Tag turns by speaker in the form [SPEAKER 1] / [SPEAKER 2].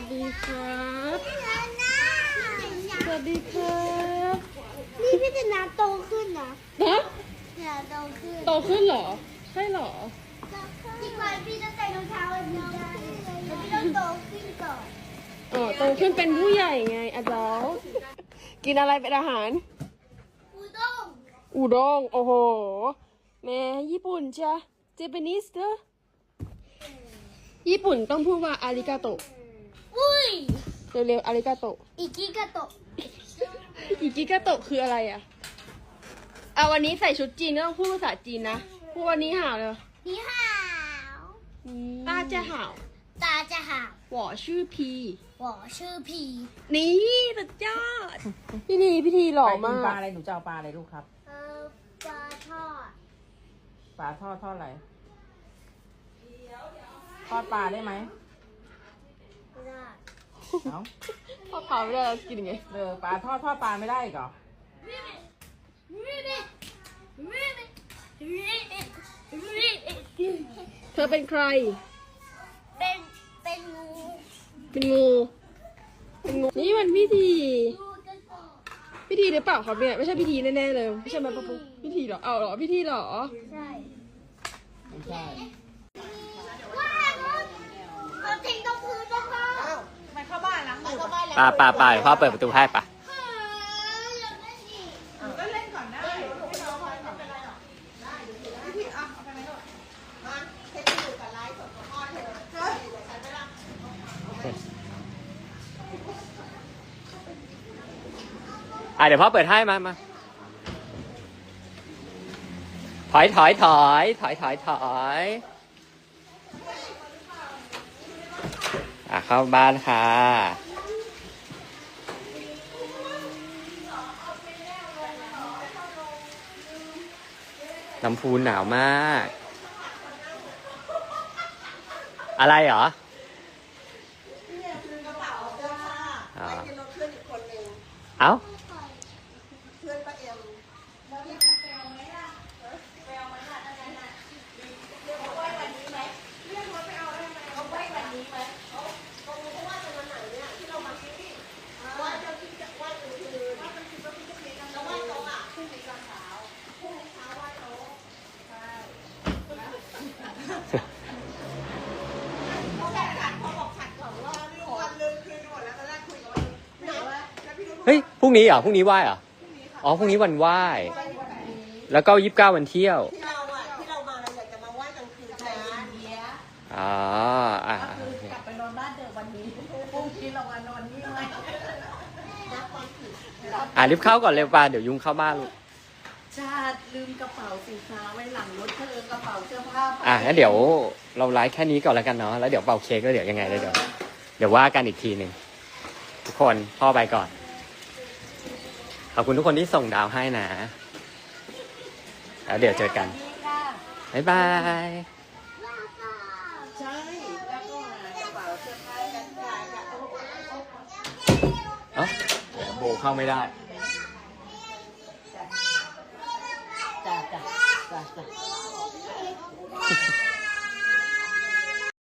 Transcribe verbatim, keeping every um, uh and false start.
[SPEAKER 1] ดีครับสวัสดีครับนี่พี่จะน้ำโตขึ้นนะนะเนี่ยโตขึ้นโตขึ้นเหรอใช่เหรอจริงไหมพี่ต้องใส่รองเท้าอันนี้ได้แล้วพี่ต้องโตขึ้นก่อนอ๋อโตขึ้นเป็นผู้ใหญ่ไงอาจารย์กินอะไรเป็นอาหารอูด้งอูด้งโอ้โหแม่ญี่ปุ่นจ้ะเจแปนิสเธอญี่ปุ่นต้องพูดว่าอาริกาโตะอุ้ยเร็วๆอาริกาโตะอิกิกาโตะอิกิกาโตะคืออะไรอ่ะเอาวันนี้ใส่ชุดจีนต้องพูดภาษาจีนนะพูดวันนี้ห่าวเลยนี่ห่าวตาจะห่าวตาจะห่าว我是พี我是พีนี่สุดยอดพี่ทีพี่ทีหล่อมาก
[SPEAKER 2] ปลาอะไรหนูจะเอาปลาอะไรลูกครับ
[SPEAKER 1] เออปลาทอด
[SPEAKER 2] ปลาทอดทอดอะไรทอดปลาได้ไหม
[SPEAKER 1] ไม่ได้
[SPEAKER 2] เอ้า
[SPEAKER 1] ทอดปลาไม่ได้แล้วกินยังไง
[SPEAKER 2] เออปลาทอดทอดปลาไม่ได้เหรอ
[SPEAKER 1] เธอเป็นใครเป็นเป็นงูเป็นงูเป็นงูนี่มันพิธีพิธีหรือเปล่าครับเนี่ยไม่ใช่พิธีแน่ๆเลยไม่ใช่มาปะปุ๊พิธีหรอเอาหรอพิธีหรอใช่
[SPEAKER 2] ไม่ใช่
[SPEAKER 3] ป่าป่าป่าพ่อเปิดประตูให้ป่ะ
[SPEAKER 2] ก็เล่นก่อนได้ไม่น้องไม่เป็นไรหรอกได้พี่อ่ะเอาไปไหมลูกมาเทปอยู่กับไลฟ์สดของพ่อเธอเฮ้ยใส่ไปละ
[SPEAKER 3] อ่ะเดี๋ยวพ่อเปิดให้มามาถอยถอยถอยถอยถอยถอยอ่ะเข้าบ้านค่ะลำพูนหนาวมากอะไรเหรอเอ้าเฮ้ยพรุ่งนี้เหรอพรุ่งนี้ไหว้เหรออ๋อพรุ่งนี้วันไหว้แล้วก็ยี่สิบเก้าวันเที่ยว
[SPEAKER 2] ที่เราอ่ะที่เรามาเราอยากจะมาไหว้กลางคืนนะ
[SPEAKER 3] อ๋ออ่ะ
[SPEAKER 2] กลับไปนอนบ้านเดิมวันนี้พรุ่งนี้เรามานอนนี่ไหม
[SPEAKER 3] อ่ะรีบเข้าก่อนเร็วป่ะเดี๋ยวยุงเข้าบ้านลูก
[SPEAKER 2] ชาติลืมกระเป๋าสีฟ้าไว้หลังรถเธอกระเป๋าเสื้อผ้า
[SPEAKER 3] อ่ะงั้นเดี๋ยวเราไลฟ์แค่นี้ก่อนแล้วกันเนาะแล้วเดี๋ยวเป่าเค้กแล้วเดี๋ยวยังไงแล้วเดี๋ยวเดี๋ยวว่ากันอีกทีหนึ่งทุกคนพ่อไปก่อนขอบคุณทุกคนที่ส่งดาวให้นะแล้วเดี๋ยวเจอกันบ๊ายบาย
[SPEAKER 2] ใช่แล้วก็กระเป๋าเสื้อผ้ากันค่ะ
[SPEAKER 3] เอ้าโบเข้าไม่ได้
[SPEAKER 2] จ้าจ้าจ้าจ้า